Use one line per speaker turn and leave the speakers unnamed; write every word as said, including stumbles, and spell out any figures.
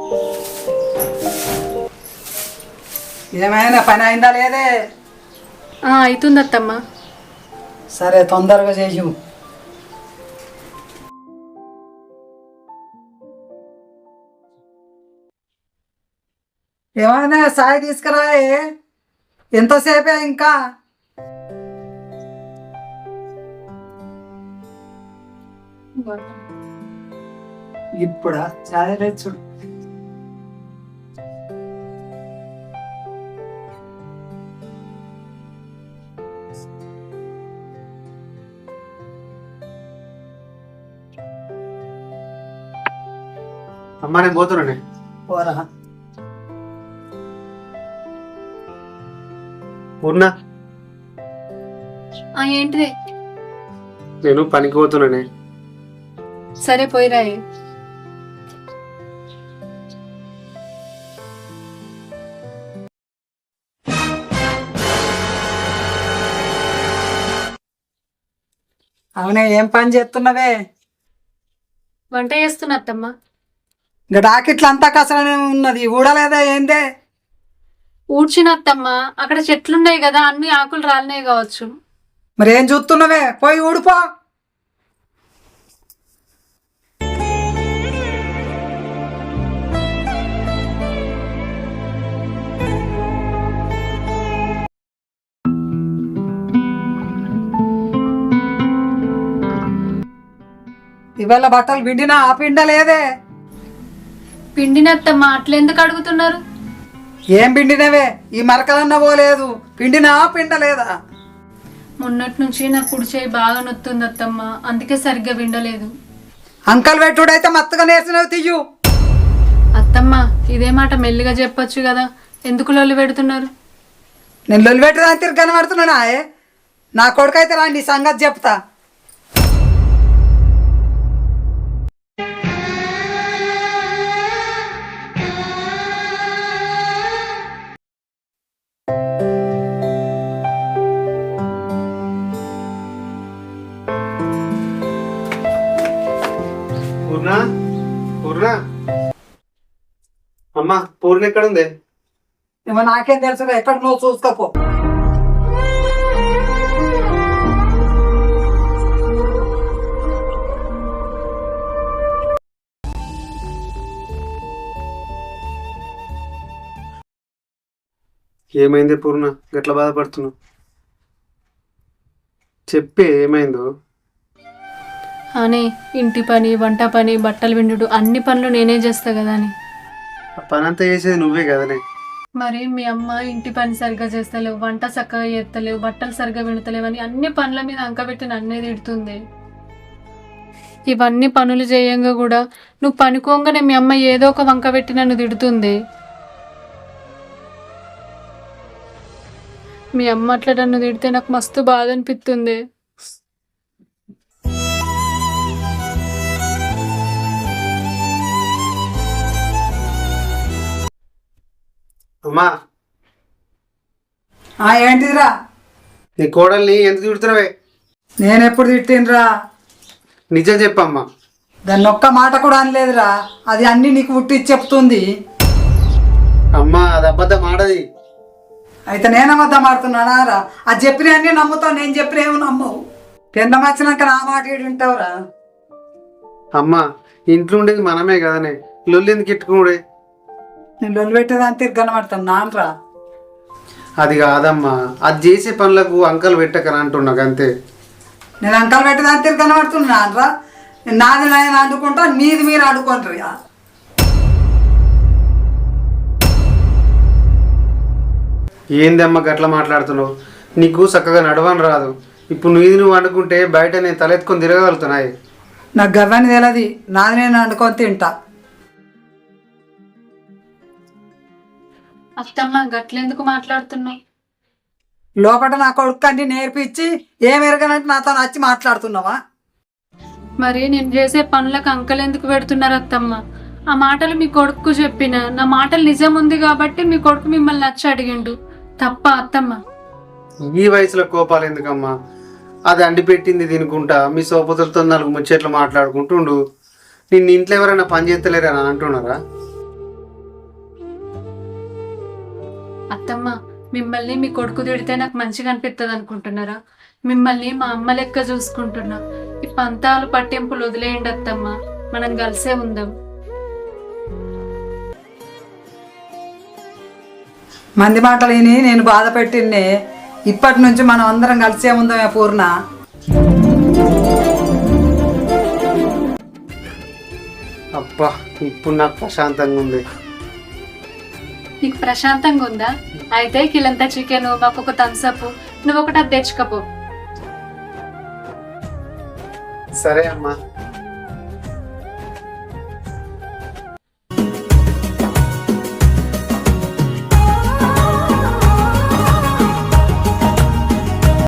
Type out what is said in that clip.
ఏమైనా పని అయిందా లేదే?
అవుతుంది అత్తమ్మ.
సరే తొందరగా చెయ్యు. ఏమైనా సాయి తీసుకురాయే, ఎంతసేపే ఇంకా? ఇప్పుడా చాయ్ చూడు.
అమ్మా నేను పోతున్నానే.
పోరా.
ఉన్నా
ఏంటిదే?
నేను పనికి పోతున్నానే.
సరే పోయిరాయి.
అవునే, ఏం పని చేస్తున్నావే?
వంట చేస్తున్నా అత్తమ్మ.
ఇంకా డాకెట్లు అంతా కసరనే ఉన్నది, ఊడలేదా ఏందే?
ఊడ్చిన అత్తమ్మ, అక్కడ చెట్లున్నాయి కదా, అన్ని ఆకులు రాలినాయి కావచ్చు.
మరి ఏం చూస్తున్నావే, పోయి ఊడిపో. ఇవాళ బట్టలు పిండినా ఆ పిండ లేదే?
పిండినత్తమ్మ, అట్లెందుకు అడుగుతున్నారు?
ఏం పిండినవే? ఈ మరకలన్న పోలేదు, పిండినా పిండ లేదా?
మొన్నటి నుంచి నా కుడి చేయి బాగా నొత్తుంది అత్తమ్మ, అందుకే సరిగ్గా విండలేదు.
అంకల్ పెట్టుడైతే మత్తుగా నేర్చినవి తీయు.
అత్తమ్మ, ఇదే మాట మెల్లిగా చెప్పొచ్చు కదా, ఎందుకు లొల్లి పెడుతున్నారు?
నేను లొల్లి పెట్టడానికి తిరిగి కనబడుతున్నానా? నా కొడుకైతే రాండి, సంగతి చెప్తా.
పూర్ణ, పూర్ణ, అమ్మా పూర్ణ ఎక్కడ ఉంది?
ఏమో నాకేం తెలుసు, ఎక్కడ నువ్వు చూసుకోపో.
ఏమైంది పూర్ణ, గట్లా బాధపడుతున్నావు? చెప్పే ఏమైందో.
అని ఇంటి పని, వంట పని, బట్టలు విండుడు, అన్ని పనులు నేనే చేస్తా కదా అని.
ఆ పని అంతా చేసేది నువ్వే కదనే.
మరి మీ అమ్మ ఇంటి పని సరిగ్గా చేస్తలేవు, వంట చక్కగా చేస్తలేవు, బట్టలు సరిగ్గా విండుతలేవు అని అన్ని పనుల మీద అంకబెట్టి నన్నే తిడుతుంది. ఇవన్నీ పనులు చేయంగా కూడా నువ్వు పనుకోగానే మీ అమ్మ ఏదో ఒక వంక పెట్టి నన్ను తిడుతుంది. మీ అమ్మ అట్లా నన్ను తిడితే నాకు మస్తు బాధ అనిపిస్తుంది.
అమ్మా,
ఏంటిదిరా?
నీ కోడల్ని ఎందుకు తిడుతున్నావే?
నేనెప్పుడు తిట్టినరా?
నిజం చెప్పమ్మా.
దాన్ని ఒక్క మాట కూడా అనలేదురా, అది అన్ని నీకు పుట్టి చెప్తుంది.
అమ్మా, అది అబద్ధం ఆడది.
అయితే నేను అబద్ధం ఆడుతున్నానా రా? అది చెప్పిన అన్నీ నమ్ముతావు, నేను చెప్పిన ఏమో నమ్మవు. పెండం వచ్చినాక నా మాట ఏడు వింటావురా?
అమ్మా, ఇంట్లో ఉండేది మనమే కదనే, లొల్లి ఎందుకు ఇట్టుకున్నాడే?
నేను లొల్లి పెట్టేదాన్ని తిరిగి కనబడతాను నాన్నరా.
అది కాదమ్మా, అది చేసే పనులకు అంకలు పెట్టకని అంటున్నా అంతే.
నేను అంకలు పెట్టేదాన్ని తిరిగి కనబడుతున్నా నాన్నరా. నాది నేను అనుకుంటా, మీది మీరు అనుకుంటారు.
ఏందమ్మా గట్లా మాట్లాడుతున్నావు? నీకు చక్కగా నడవని రాదు. ఇప్పుడు నీది నువ్వు వండుకుంటే బయట నేను తలెత్తుకొని తిరగలుగుతున్నాయి.
నాకు గవ్వని తెలియదు, నాది నేను వండుకొని తింటా.
అత్తమ్మ, గట్లెందుకు మాట్లాడుతున్నావు?
లోపల నా కొడుకు అన్ని నేర్పించి ఏం ఎరగనంటే నాతో వచ్చి మాట్లాడుతున్నావా?
మరి నేను చేసే పనులకు అంకలు ఎందుకు పెడుతున్నారు అత్తమ్మ? ఆ మాటలు మీ కొడుకు చెప్పిన, నా మాటలు నిజం ఉంది కాబట్టి మీ కొడుకు మిమ్మల్ని నచ్చి అడిగిండు. తప్ప అత్తమ్మ?
ఈ వయసులో కోపాలు ఎందుకమ్మా? అది అండి పెట్టింది తినుకుంటా మీ సోపతులతో నాలుగు ముచ్చట్లు మాట్లాడుకుంటుండు. నిన్ను ఇంట్లో ఎవరైనా పని చేస్తలేరని అంటున్నారా?
అత్తమ్మ, మిమ్మల్ని మీ కొడుకు తిడితే నాకు మంచిగా అనిపిస్తుంది అనుకుంటున్నారా? మిమ్మల్ని మా అమ్మ లెక్క చూసుకుంటున్నా. ఈ పంతాలు పట్టింపులు వదిలేయండి అత్తమ్మ, మనం కలిసే ఉందాం.
మంది మాటలు విని నేను బాధ పెట్టిన్నే. ఇప్పటి నుంచి మనం అందరం కలిసే ఉందామే పూర్ణ.
అబ్బా, ఇప్పుడు నాకు ప్రశాంతంగా ఉంది.
నీకు ప్రశాంతంగా ఉందా? అయితే కిలంతా చికెన్, మాకు ఒక థమ్స్అప్, నువ్వు ఒకటి అది తెచ్చుకపో.
సరే అమ్మా.